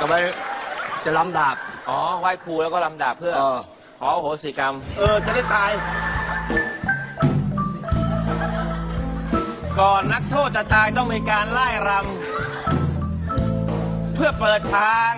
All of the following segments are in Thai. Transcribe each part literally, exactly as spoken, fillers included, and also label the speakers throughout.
Speaker 1: จะไปจะลำดาบ
Speaker 2: อ๋อไหว้ครูแล้วก็ลำดาบเพื่อขอโหสิกรรม
Speaker 1: เออจะได้ตาย
Speaker 2: ก่อนนักโทษจะตายต้องมีการไล่รำเพื่อเปิดทาง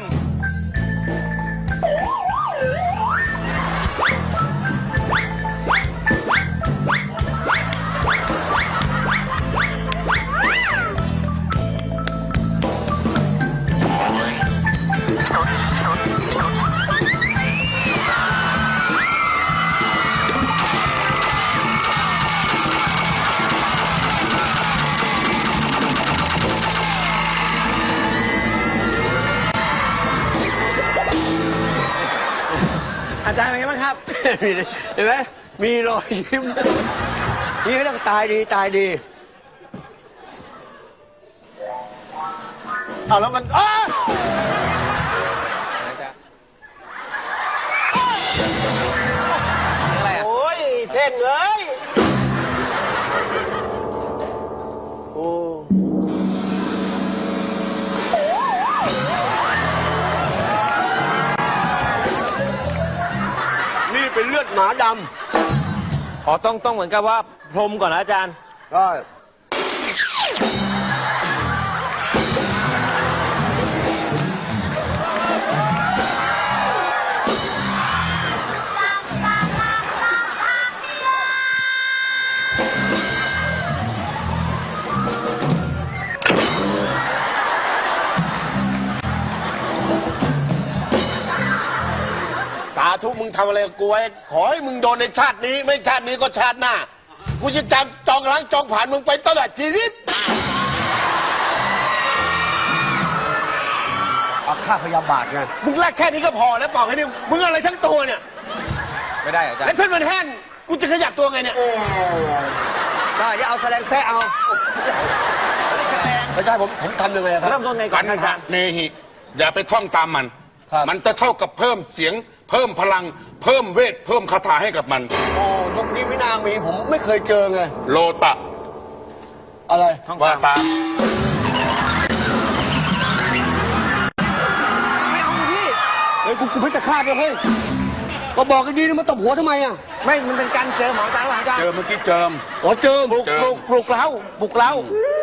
Speaker 2: อาจารย์เป็นไงบ้างครับ
Speaker 1: เห็นไหมมีรอยยิ้มนี่เรื่องตายดีตายดีเอาแล้วมันอ้า
Speaker 2: อะไรอ่ะ
Speaker 1: โอ้ยเท่งเลยโอ้นี่เป็นเลือดหมาดำ
Speaker 2: อ๋อต้องต้องเหมือนกับว่าพรมก่อนนะอาจารย์
Speaker 1: ได้สาธุมึงทำอะไรกับกูไว้ขอให้มึงโดนในชาตินี้ไม่ชาตินี้ก็ชาติหน้ากูจะจำจองล้างจองผ่านมึงไปตลอดชีวิตเอาค่าพยาบาทไงมึงแลกแค่นี้ก็พอแล้วเปล่าแค่นี้มึงอะไรทั้งตัวเนี่ย
Speaker 2: ไม่ได้อาจารย์
Speaker 1: แล้วเส้นมันแห้งกูจะขยับตัวไงเนี่ยได้จะเอาแสลงแท้เอาไม่ใช่ผมผมทำยังไงครับ
Speaker 2: เริ่มต้นไงก่อนอาจารย์
Speaker 3: เนหิอย่าไปท่องตามมันมันจะเท่ากับเพิ่มเสียงเพิ่มพลังเพิ่มเวทเพิ่มคาถาให้กับมัน
Speaker 1: โอ้ยุคนี้วินามีผมไม่เคยเจอไง
Speaker 3: โลตะ
Speaker 1: อะไร
Speaker 3: ว่าตาม
Speaker 1: ไม่เอาพี่เฮ้ยกูกูเพชรฆาตเลยเฮ้ยก็บอกกันดีนะมาตบหัวทำไมอ่ะ
Speaker 2: ไม่มันเป็นการเจิมของอาจารย์อาจารย์
Speaker 3: เจิมเมื่อกี้เจิม
Speaker 1: อ๋อเจิม
Speaker 2: ปลุกปลุกปลุกเล้าปลุกเล้า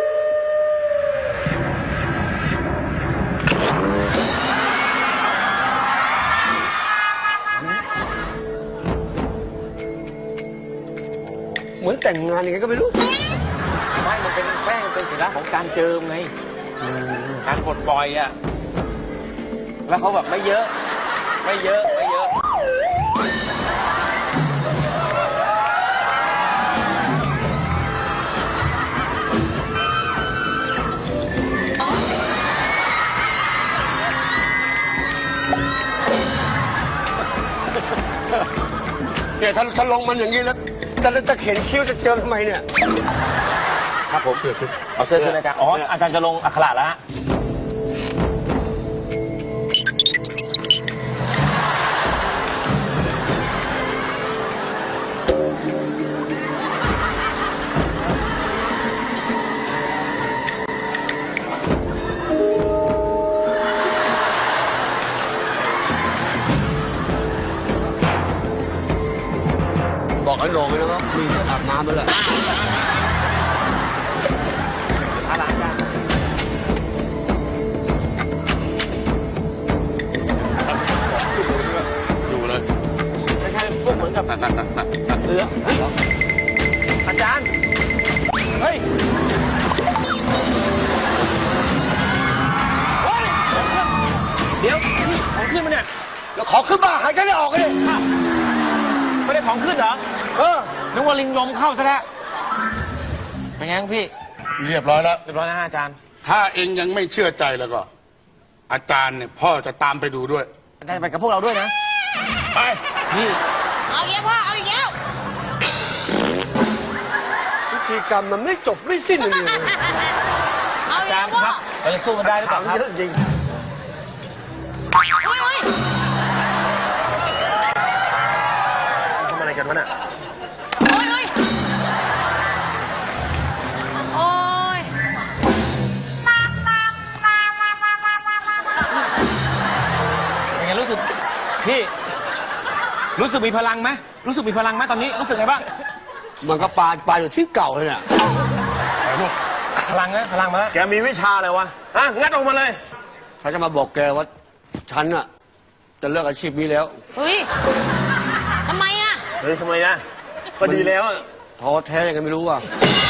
Speaker 1: เหมือนแต่งงานยังไงก็ไม่รู้
Speaker 2: ไม่มันเป็นแป้งเป็นสัญลักษณ์ของการเจิมไงการปลดปล่อยอ่ะแล้วเขาแบบไม่เยอะไม่เยอะไม่เยอะ
Speaker 1: เนี่ยถ้าถ้าลงมันอย่างนี้แล้วแต่จะเข็นคิ้วจะเจอทำไมเนี่ย
Speaker 2: ครับผมเอาเสื้อขึ้นอาจารย์อ๋ออาจารย์จะลงอักขระแล้วฮะ
Speaker 1: บอกไอ้โหน่งเลยนะมีอาบน้ำแล้วแหละ
Speaker 2: อะไรอาจารย์
Speaker 3: ดูเลย
Speaker 2: ไม่ใช่พวกเหมือนกับตัดตัดตัดตัดตัดเรืออาจารย์เฮ้ยเดี๋ยวนี่ของขึ้นมาเนี่ย
Speaker 1: แล้วขอขึ้นมาหายใจไม่ออกเลย
Speaker 2: ไม่ได้ของขึ้นเหรอ
Speaker 1: เออ
Speaker 2: นึกว่าลิงลมเข้าซะแล้วเป็นไงพี่
Speaker 3: เรียบร้อยแล้ว
Speaker 2: เรียบร้อยนะอาจารย์
Speaker 3: ถ้าเองยังไม่เชื่อใจแล้วก็อาจารย์เนี่ยพ่อจะตามไปดูด้วย
Speaker 2: อาจารย์ไปกับพวกเราด้วยนะ
Speaker 3: ไป
Speaker 2: นี่
Speaker 4: เอาอีกแล้วพ่อเอาอีกแล้ว
Speaker 1: พิธีกรรมมันไม่จบไม่สิ้นเลย
Speaker 4: เอาอีกแล้ว
Speaker 2: พ่อเราจะสู้มันได้หรือเปล่าครับ
Speaker 1: จริง
Speaker 4: อุ้ยอุ้ย
Speaker 1: ทำอะไรกันวะเนี่ย
Speaker 4: โอ้ยโอ้ยโอ้ย
Speaker 2: งรู้สึกพี่ รู้สึกมีพลังไหมรู้สึกมีพลังไหมตอนนี้รู้สึกไงบ้าง
Speaker 5: มันก็ปลาปลาอยู่ที่เก่าเลยเนี่ย
Speaker 2: พลังนะพลังมาแล้ว
Speaker 1: แกมีวิชาอะไรวะฮะงัดออกมาเลย
Speaker 5: เขาจะมาบอกแกว่าฉันอะจะเลิกอาชีพนี้แล้ว
Speaker 4: เฮ้ยทำไมอ่ะ
Speaker 1: เฮ้ยทำไมนะก็ดีแล้วอะ
Speaker 5: ท้อแท้ยังไงไม่รู้อ่ะ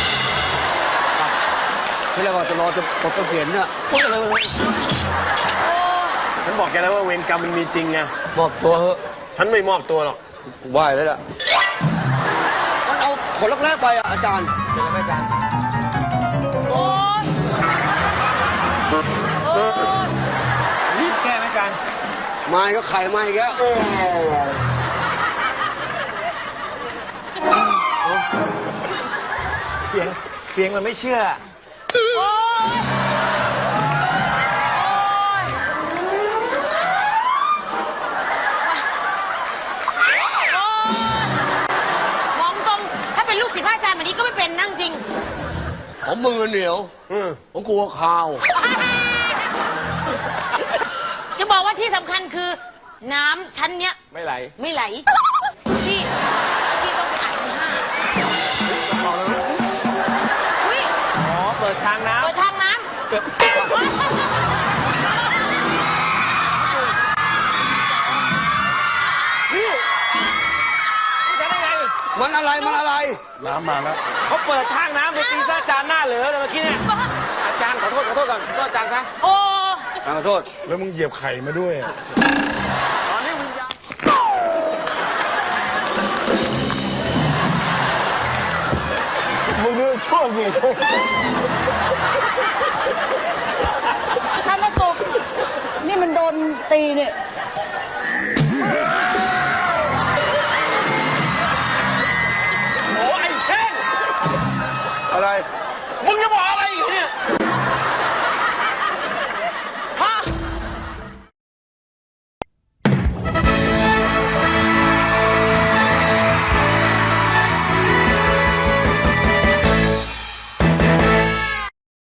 Speaker 5: ที่แรกว่าจะรอจะปลดเกษียณเนี่ยพูดอะไรเลย
Speaker 1: ฉันบอกแกแล้วว่าเวรกรรมมันมีจริงไง
Speaker 5: มอบตัวเถอะ
Speaker 1: ฉันไม่มอบตัวหรอก
Speaker 5: ไหวแล้วล่ะมันเอาผลแรกๆไปอ่ะอาจารย์
Speaker 2: เป็นไรไหมอาจารย์
Speaker 4: โอ้ยโอ้ย
Speaker 2: รีบแก้ไหมอาจารย์
Speaker 5: ไม้ก็ไข่ไม้อีกแล้ว
Speaker 2: เสียงเสียงมันไม่เชื่อ
Speaker 4: โอ้ยโอ้ยมองตรง ถ้าเป็นลูกศิษย์พระอาจารย์แบบนี้ก็ไม่เป็นนั่งจริง
Speaker 5: ผมมือเหนียว
Speaker 1: อืม
Speaker 5: ผมกลัวข่าว
Speaker 4: จะบอกว่าที่สำคัญคือ น้ำชั้นเนี้ย
Speaker 2: ไม่ไหล
Speaker 4: ไม่ไหล พี่ พี่ต้องไปอ่านชั้นห้าอุ้ย
Speaker 2: อ๋อ เปิดทางน้
Speaker 4: เปิดทางน้
Speaker 5: เกิด
Speaker 2: ำจะได้ไง
Speaker 5: มันอะไรมันอะไร
Speaker 3: น้ำมาแล้ว
Speaker 2: เขาเปิดทางน้ำไปตีซะอาจารย์หน้าเหลือเลยเมื่อกี้เนี่ย
Speaker 4: ำ
Speaker 2: อาจารย์ขอโทษขอโทษก่อนขอโทษอาจารย์ครับ
Speaker 4: โอ้
Speaker 5: ขอโทษ
Speaker 3: แล้วมึงเหยียบไข่มาด้วยอะ
Speaker 2: ตอนนี้วิญญาณ
Speaker 1: มึงนี่โชคดี
Speaker 6: ถ้าไม่ตกนี่มันโดนตีเนี่ย